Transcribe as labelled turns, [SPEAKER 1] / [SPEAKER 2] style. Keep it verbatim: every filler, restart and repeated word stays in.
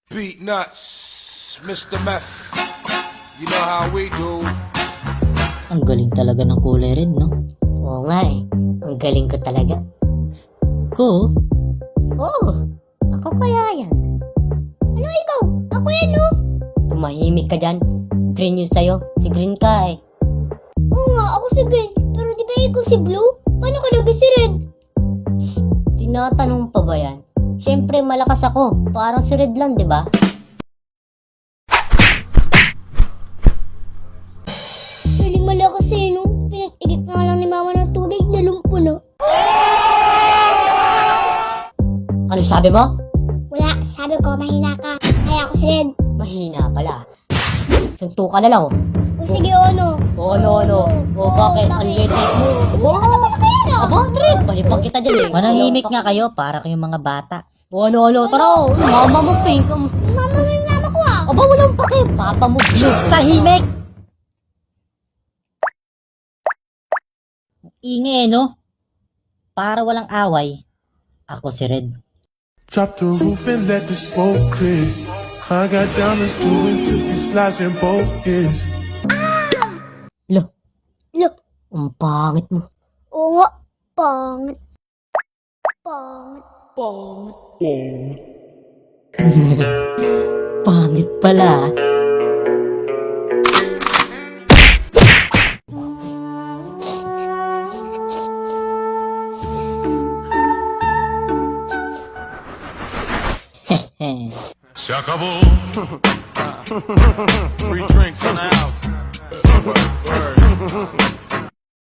[SPEAKER 1] Beat nuts, Mister Meth. You know how we do.
[SPEAKER 2] Ang galing talaga ng kulay red, no? Oo nga eh. Ang galing ko talaga. Ko? Oo. Ako kaya yan.
[SPEAKER 3] Ano ikaw? Ako yan, no?
[SPEAKER 2] Tumahimik ka dyan. Green yun sa'yo. Si Green ka eh.
[SPEAKER 3] Oo nga, ako si Green. Pero di ba ikaw si Blue? Paano ka naging si Red?
[SPEAKER 2] Psst, tinatanong pa ba yan? Siyempre malakas ako. Parang si Red lang, di ba?
[SPEAKER 3] Feeling malakas eh, no? Pinag-igip nga lang ni Mama ng tubig, nalumpo na.
[SPEAKER 2] Ano sabi mo?
[SPEAKER 3] Wala, sabi ko, mahina ka. Kaya ako si Red.
[SPEAKER 2] Mahina pala. Sunto ka na lang oh.
[SPEAKER 3] O sige, ano?
[SPEAKER 2] O ano ano? O bakit? Ang late mo? O
[SPEAKER 3] Ano kaya na?
[SPEAKER 2] aba, Red. Balipag kita dyan eh.
[SPEAKER 4] Manahimik nga kayo para kayong mga bata.
[SPEAKER 2] O ano ano? Tara, oh, mama mo pink. Um,
[SPEAKER 3] Mama mo yung mama ko ah.
[SPEAKER 2] Aba, walang pake. Papa mo blue.
[SPEAKER 4] Tahimik! Ingay, no? Para walang away. Ako si Red.
[SPEAKER 5] Drop the roof and let the smoke clear. I got diamonds doing twisty slides in both ears.
[SPEAKER 2] Lo,
[SPEAKER 3] Look,
[SPEAKER 2] ang pangit mo.
[SPEAKER 3] oo nga. Pangit. Pangit.
[SPEAKER 2] Pangit pala.
[SPEAKER 1] Se acabó. Free drinks in the house. Word, word.